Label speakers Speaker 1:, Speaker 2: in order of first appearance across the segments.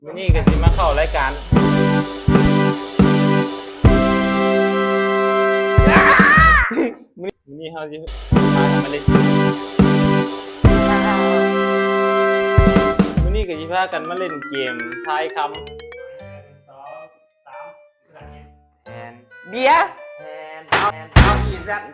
Speaker 1: วันนี้ก็สิมาเข้ารายการวันนี้เขาสิพากันมาเล่นวันนี้ก็สิพากันมาเล่นเกมทายคำ
Speaker 2: 2 3
Speaker 3: แทนเบียร์เอาอีกสัตว์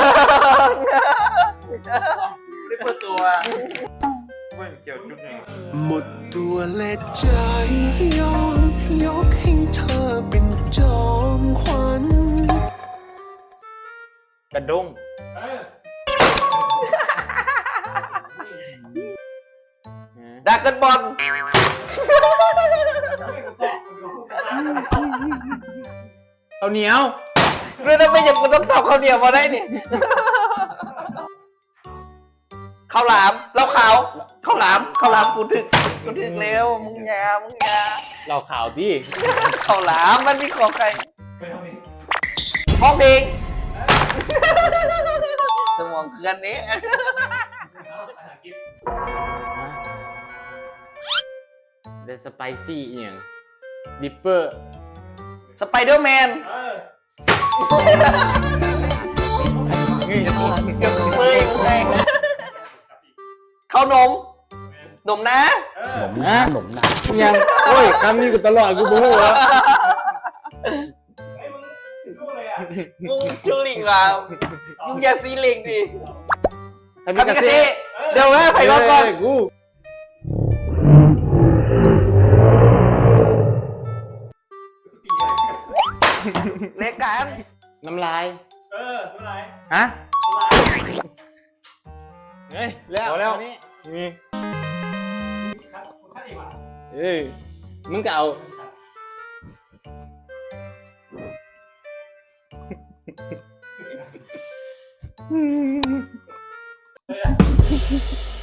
Speaker 3: ได้เปิดตัวเมื่อเกี่ยวจุดไง
Speaker 4: หมดตัวและใจยอมยกให้เธอเป็นจอมขวัญ
Speaker 1: กระด้ง
Speaker 3: ดากกันบอล
Speaker 1: เอาเหนียว
Speaker 3: เรื่องนั้นไม่ยังกูต้องตอบข้าวเหนียวมาได้เนี่ยข้าวหลามเหล้าขาวข้าวหลามกูถึกเร็วมึงยา
Speaker 1: เราข่าวพี่
Speaker 3: ข้าวหลามมันมีของใครห้องเพลงสมองเคือนนี้
Speaker 1: เดสไปซี่อีหยังดิปเปอร์
Speaker 3: สไปเดอร์แมนเฮ้ยข้าวนมนะ
Speaker 1: ยังโอ้ยคำนี้กูตลอดกูบู๊แล้ว
Speaker 3: มึงชูลิงว่ะมึงอย่าซีลิงดิคามิกาเซ่เดี๋ยวนะไปก่อน
Speaker 1: กู
Speaker 3: เล็กกัน
Speaker 1: น้ำลาย
Speaker 2: น้ำลาย
Speaker 1: ฮะ
Speaker 2: น้ำลาย
Speaker 1: เฮ้ยแล้วนี่
Speaker 2: ครับคุณขั้นอีกว่ะ
Speaker 1: มึงก็เอา
Speaker 2: เลย